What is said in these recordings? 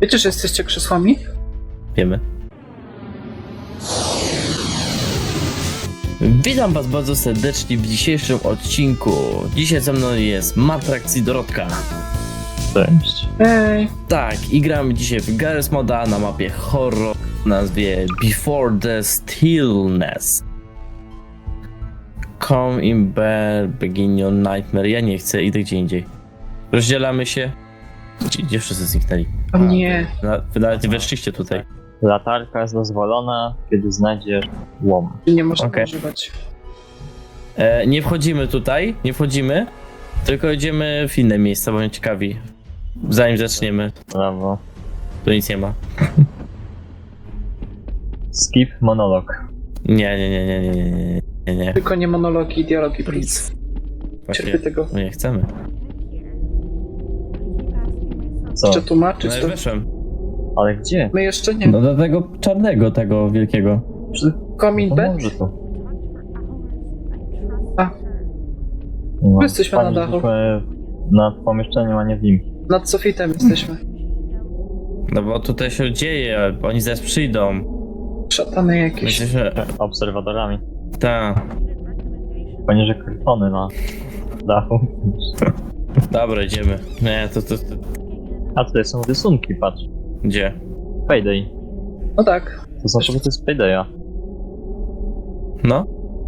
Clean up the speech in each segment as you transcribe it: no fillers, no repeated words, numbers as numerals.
Wiecie, że jesteście krzesłami? Wiemy. Witam was bardzo serdecznie w dzisiejszym odcinku. Dzisiaj ze mną jest Matrax i Dorotka. Cześć. Ej, Tak, i gramy dzisiaj w Garry's Moda na mapie horror o nazwie Before the Stillness. Come in bed, begin your nightmare. Ja nie chcę, idę gdzie indziej. Rozdzielamy się. Gdzie wszyscy zniknęli? o nie. Wy nawet nie weszliście tutaj. Latarka jest dozwolona, kiedy znajdziesz łom. Nie można Okej. używać. Nie wchodzimy tutaj, nie wchodzimy, tylko idziemy w inne miejsca, bo mnie ciekawi. Zanim zaczniemy, Brawo. to nic nie ma. Skip monolog. Nie. Tylko nie monologi, dialogi, please. Właśnie Cierpię tego. my nie chcemy. Co? Jeszcze tłumaczyć No i to. weszłem. Ale gdzie? My jeszcze nie. No do tego czarnego, tego wielkiego. Coming back? Może tu. A. No, jesteśmy na dachu. Nad pomieszczeniem, a nie w nim. Nad sufitem jesteśmy. No bo tutaj się dzieje, oni zaraz przyjdą. Szatany My jakieś. jesteśmy... Obserwatorami. Ta. Poniżej kartony na dachu. Dobra, idziemy. Nie, to... A tutaj są rysunki, patrz. Gdzie? Payday. No tak. To są produkty z Paydaya. No,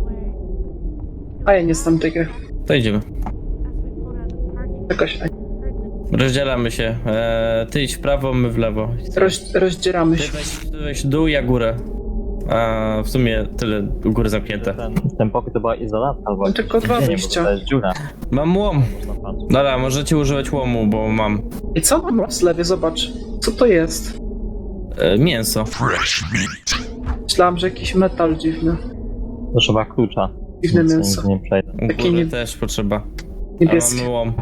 A ja nie znam tego. to idziemy. Jakaś. Rozdzielamy się. Ty idź w prawo, my w lewo. Rozdzieramy Ty się. weź dół, ja górę. A w sumie tyle u góry zamknięte. Ten pokój to była izolatka albo Mam tylko dwa nie, wyjścia. bo to jest dziura. Mam łom. Można patrzeć. Dobra, możecie używać łomu, bo mam I co mam na zlewie? Zobacz. Co to jest? mięso. Myślałam, że jakiś metal dziwny. To trzeba klucza. Dziwne Nic mięso. nie przejdę. U Takie góry nie- też potrzeba. A Niebieskie. mamy łom.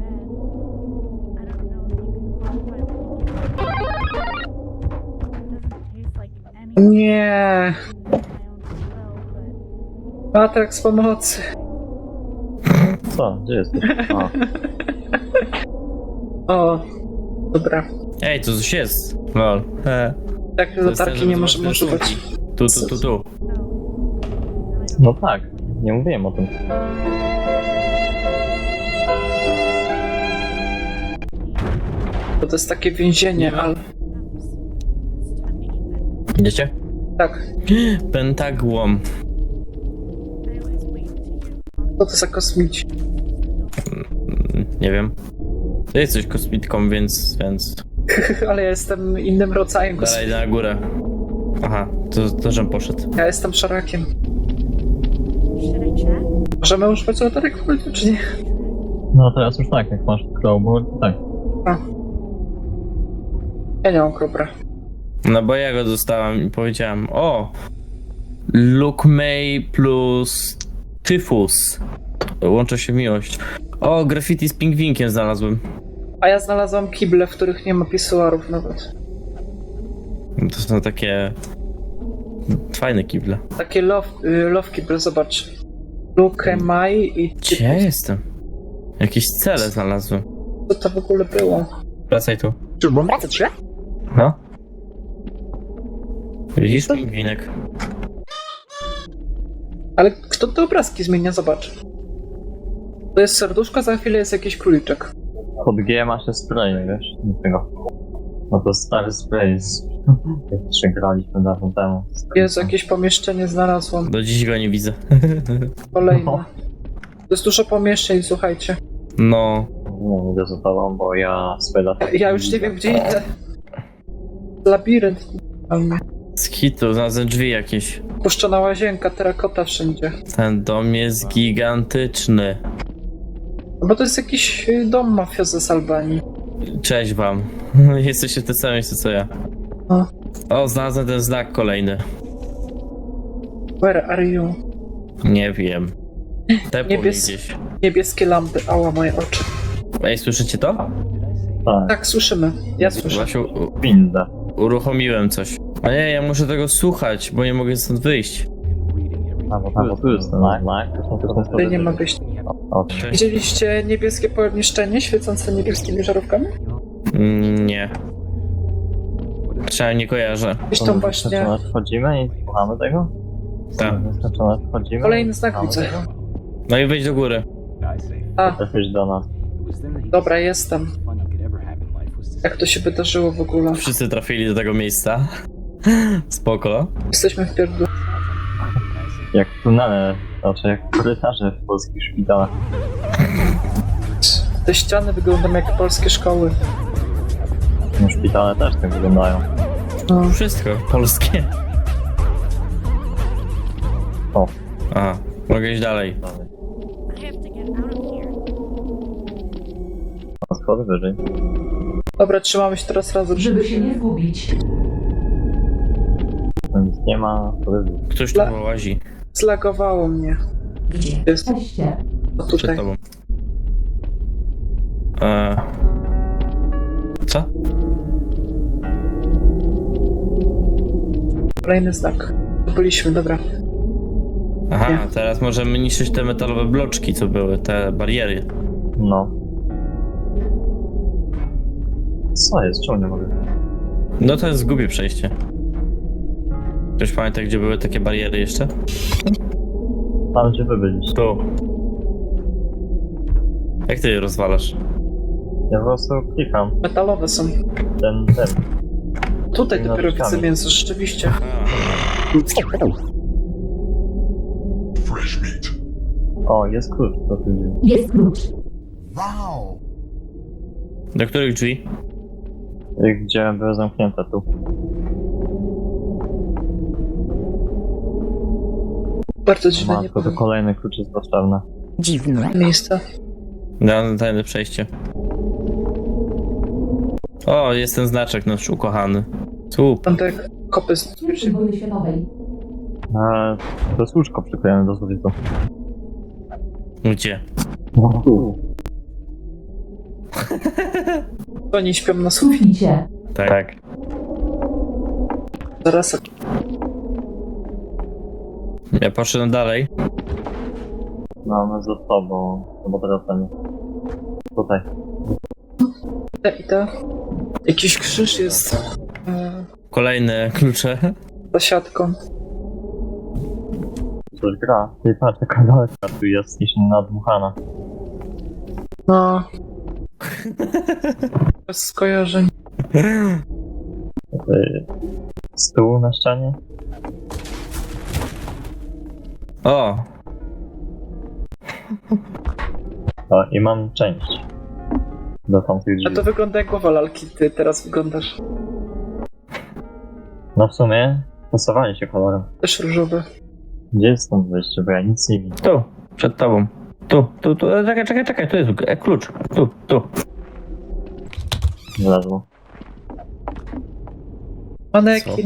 Nie. Matrax pomocy. Co? Gdzie jesteś? O, O. Dobra. Ej, to coś jest. Lol. Tak, To jest latarki ten, nie że możemy zobaczysz używać. rysunki. Tu. no tak. Nie mówiłem o tym. Bo to jest takie więzienie, ale... Idziecie? Tak. Pentagłom. Co to za kosmici? Nie wiem. Ty jesteś kosmitką, więc... Ale ja jestem innym rodzajem Dalej, kosmici. idę na górę. Aha, to żem poszedł. Ja jestem szarakiem. Możemy używać latarek w końcu, czy nie? No teraz już tak, jak masz crowboard, tak. A. Ja nie mam kropra. No bo ja go dostałem i powiedziałem, o! Luke May plus Tyfus. Łączą się w miłość. O, graffiti z pingwinkiem znalazłem. A ja znalazłam kible, w których nie ma pisuarów nawet. To są takie... fajne kible. Takie love kible, zobacz. Luke, Mai i... Gdzie ja jestem? Jakieś cele znalazłem. Co to w ogóle było? Wracaj tu. Czy mam wracać się? No. Widzisz pingwinek? Ale kto te obrazki zmienia? Zobacz. To jest serduszko, za chwilę jest jakiś króliczek. Pod G masz te spray, wiesz? Nie tego. No to stary spray z... Jak jeszcze graliśmy dawno temu. Jest jakieś pomieszczenie, znalazłam. Do dziś go nie widzę. Kolejne. No. To jest dużo pomieszczeń, słuchajcie. No. Nie idę za tobą, bo ja swoje lata... Ja już nie wiem, gdzie idę. Labirynt. Z hitu znalazłem drzwi jakieś. Puszczona łazienka, terakota wszędzie. Ten dom jest gigantyczny. No bo to jest jakiś dom mafiozy z Albanii. Cześć wam. Jesteście te same miejsce co ja. O. O, znalazłem ten znak kolejny. Where are you? Nie wiem. Tepło mi Niebies- gdzieś. Niebieskie lampy, ała moje oczy. Ej, słyszycie to? Tak, Tak, słyszymy. Ja słyszę. Właśnie winda. uruchomiłem coś. A nie, ja muszę tego słuchać, bo nie mogę stąd wyjść. A bo tu jest ten Mac. Tutaj nie ma wyjścia. Cześć. Widzieliście niebieskie pomieszczenie świecące niebieskimi żarówkami? Nie. Trzeba nie kojarzę. Gdzieś tam właśnie Wchodzimy i słuchamy tego? Tak. Wchodzimy. kolejny znak słuchamy widzę. tego? No i wejdź do góry. A, Trafisz do nas. dobra, jestem. Jak to się wydarzyło w ogóle? Wszyscy trafili do tego miejsca. Spoko. Jesteśmy w pierdlu. Jak tunele, znaczy jak korytarze w polskich szpitalach. Te ściany wyglądają jak polskie szkoły. No, szpitale też tak wyglądają. No. Wszystko polskie. O. A, mogę iść dalej. I have to get out of here. A schody wyżej. Dobra, trzymamy się teraz razem. Żeby się nie zgubić. No nic nie ma, schody wyżej. Ktoś tu łazi Zlagowało mnie. Gdzie Jest. jesteście? O, przed tutaj. tobą. Co? Kolejny znak. Byliśmy, dobra. Aha, Nie. teraz możemy niszczyć te metalowe bloczki, co były, te bariery. No. Co jest? Czemu nie mogę? No to jest głupie przejście. Ktoś pamięta, gdzie były takie bariery jeszcze? Tam gdzie wy byliście. Tu. Jak ty je rozwalasz? Ja po prostu klikam. Metalowe są. Ten. Tutaj No, dopiero szukamy. widzę mięso, rzeczywiście. Fresh meat. O, jest klucz do tych drzwi. Jest klucz. Wow. Do których drzwi? Gdzie były zamknięte tu. Bardzo dziwne, nie Matko, to powiem. kolejny klucz jest potrzebny. Miejsce. Na tajne przejście. O, jest ten znaczek nasz ukochany. Słup. Tam te kopy z Przy wojny światowej. To jest łóżko przyklejone do sufitu. Gdzie? Oni śpią na sufit. Suficie. Tak. Zaraz. Ja poszedłem dalej. No, my za tobą. No bo teraz ten. Tutaj. I te. Jakiś krzyż jest. Kolejne klucze. Za siatką. Coś gra. Ty patrz, taka lalka tu jest niż nadmuchana. No. Bez skojarzeń. Stół na ścianie. O, O, i mam część. Do tamtych A drzwi. to wygląda jak głowa lalki, ty teraz wyglądasz. No w sumie pasowali się kolorem. Też różowy. Gdzie jest stąd wyjście, bo ja nic nie widzę. tu, przed tobą. Tu. Czekaj, tu jest klucz. Tu. Wlazło. Manekin.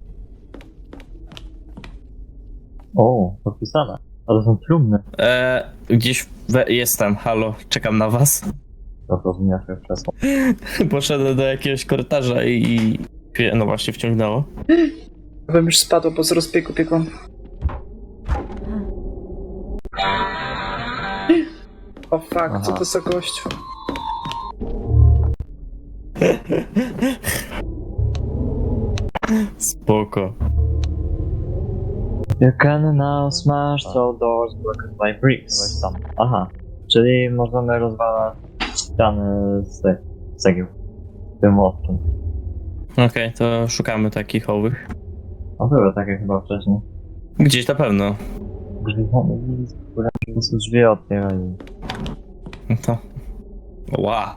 O, podpisane. A to są trumny. Gdzieś jestem, halo, czekam na was. To rozumiesz jak krzesło. Poszedłem do jakiegoś korytarza i no właśnie wciągnęło. Bym już spadł, bo z rozbiegu biegłam. O fuck, co Aha. to za gościu? Spoko. You can now smash all doors blocked by bricks. Weź tam. Aha. Czyli możemy rozwalać ściany z cegieł. Tym młotkiem. Okej, to szukamy takich owych. A były takie chyba wcześniej. Gdzieś na pewno. Drzwi, które po prostu drzwi otwierają. No to... Ła.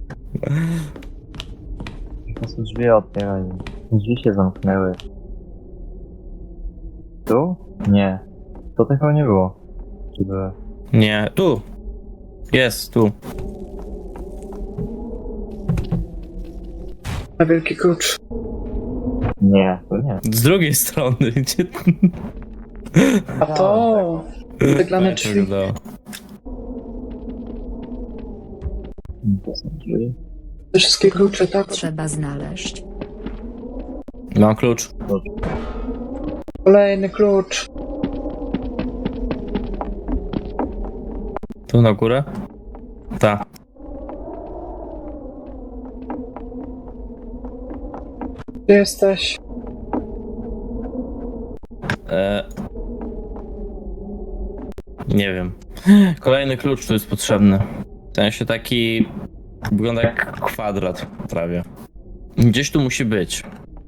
Po prostu drzwi otwierają. Drzwi się zamknęły. Tu? Nie. To tego nie było. Czy były? Nie, tu. Jest, tu. Na wielki klucz. Nie, to nie. Z drugiej strony, gdzie... A to... Wyglane Tak drzwi. wyglądało. To są drzwi. Te wszystkie klucze, tak? Trzeba znaleźć. Mam klucz. Kolejny klucz. Tu na górę? Tak. Gdzie jesteś? Nie wiem. Kolejny klucz tu jest potrzebny. W sensie taki... Wygląda jak kwadrat prawie. Gdzieś tu musi być.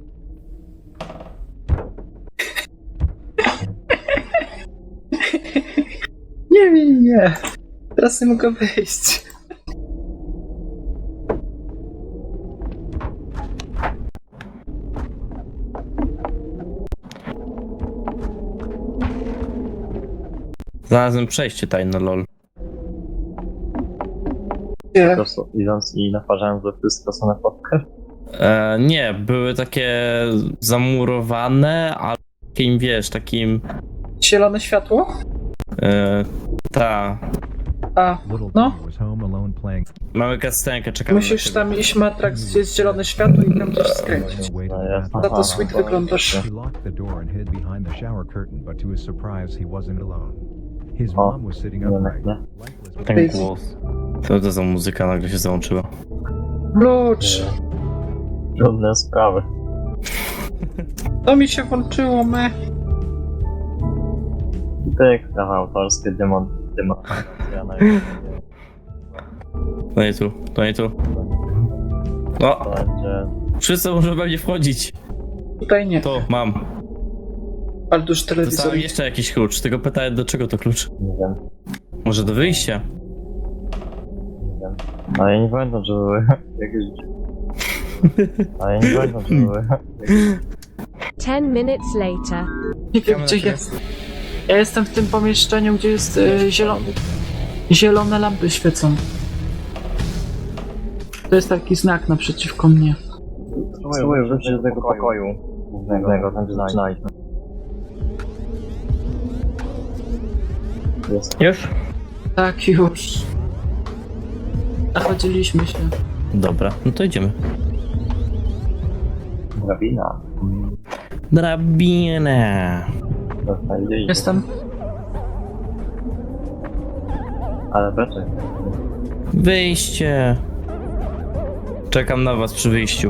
Nie. Teraz nie mogę wyjść. Znalazłem przejście tajne, lol. Gdzie? Po prostu idąc i naparzając do wszystko, co na fotkę. Nie, były takie zamurowane, ale takim, wiesz, takim... Zielone światło? Ta... A, Little no. Timmy was home alone playing. Mamy kastenkę, czekamy Musisz na ciebie. tam iść, Matrax, gdzie jest zielone światło i tam gdzieś skręcić. Away to No the jasne. bathroom. Za to sweet wyglądasz. He locked the door and hid behind the shower curtain, but to his surprise, he wasn't alone. His O, mom was sitting nie upright. nie. Light was Ten głos. Co to za muzyka nagle się załączyła? Klucz! Trudne sprawy. To mi się włączyło, me. Ty, prawa autorskie, demotywacja na YouTube. To nie tu, to nie tu. O! To będzie... Wszyscy muszą pewnie wchodzić. Tutaj nie. To, mam. Ale duży telewizor. Dostałem jeszcze jakiś klucz, tylko pytałem, do czego to klucz? Nie wiem. Może do wyjścia? Nie wiem. Ale ja nie pamiętam, że były jakieś... Ale ja nie pamiętam, że były... 10 minutes later. Nie wiem, gdzie jest. Ja jestem w tym pomieszczeniu, gdzie jest zielony. Zielone lampy świecą. To jest taki znak naprzeciwko mnie. Spróbuję wrócić do tego pokoju głównego, tam gdzie zaczynaliśmy. Jest. Już? Tak, już. Nachodziliśmy się. Dobra, no to idziemy. Drabina. Drabina. Dostaliśmy. Jestem. Ale beczek. Wyjście. Czekam na was przy wyjściu.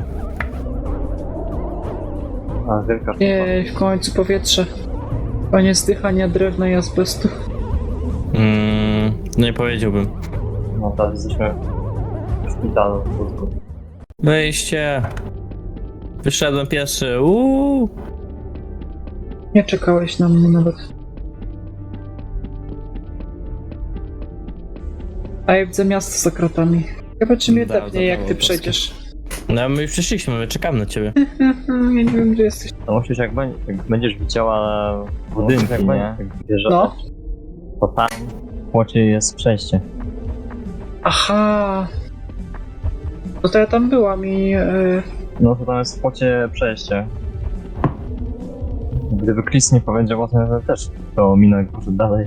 A, wielka sztuka. Jej, w końcu powietrze. Koniec zdychania drewna i azbestu. Nie powiedziałbym. No teraz jesteśmy w szpitalu w Budku. Wyjście. Wyszedłem pierwszy. Uuu. Nie czekałeś na mnie nawet. A ja widzę miasto za kratami. Chyba czy mnie Da, tepnie, jak ty zabrało przejdziesz. No my już przyszliśmy, my czekamy na ciebie. Ja nie wiem, gdzie jesteś. No musisz jak będziesz widziała budynki, nie? Jak wjeżdżasz, No. to tam w płocie jest przejście. Aha. No to ja tam byłam i... No to tam jest w płocie przejście. Gdyby Chris nie powiedział o tym, to też to minął poszedł dalej.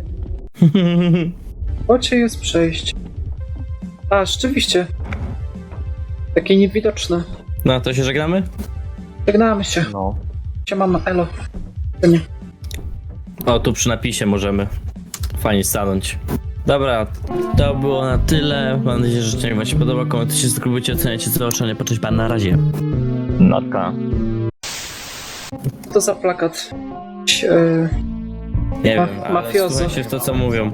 Ocie jest przejście. A, rzeczywiście. Takie niewidoczne. No to się żegnamy? Żegnamy się. No. Siemano, elo. To nie. O, tu przy napisie możemy fajnie stanąć. Dobra, to było na tyle. Mam nadzieję, że odcinek wam się podoba. Komentujcie, subskrybujcie, oceniajcie, co oczenie. Cześć, pan, na razie. Natka. Co to za plakat? Nie Ma- wiem, ale mafiozo. słuchajcie w to, co mówią.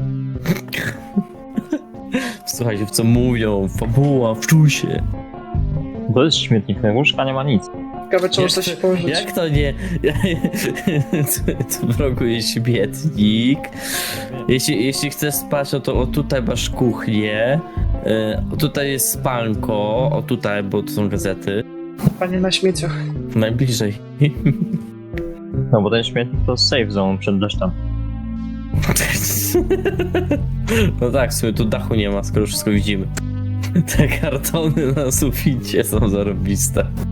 Słuchajcie w co mówią. Fabuła, wczuj się. To jest śmietnik, łóżka nie ma nic. Ciekawe, czy można się położyć. Jak to nie? W rogu jest śmietnik. Jeśli chcesz spać, no to o tutaj masz kuchnię. O tutaj jest spanko. O tutaj, bo to są gazety. Panie na śmieciach. Najbliżej. No bo ten śmietnik to safe zone przed deszczem. No tak, w sumie tu dachu nie ma, skoro wszystko widzimy. Te kartony na suficie są zarobiste.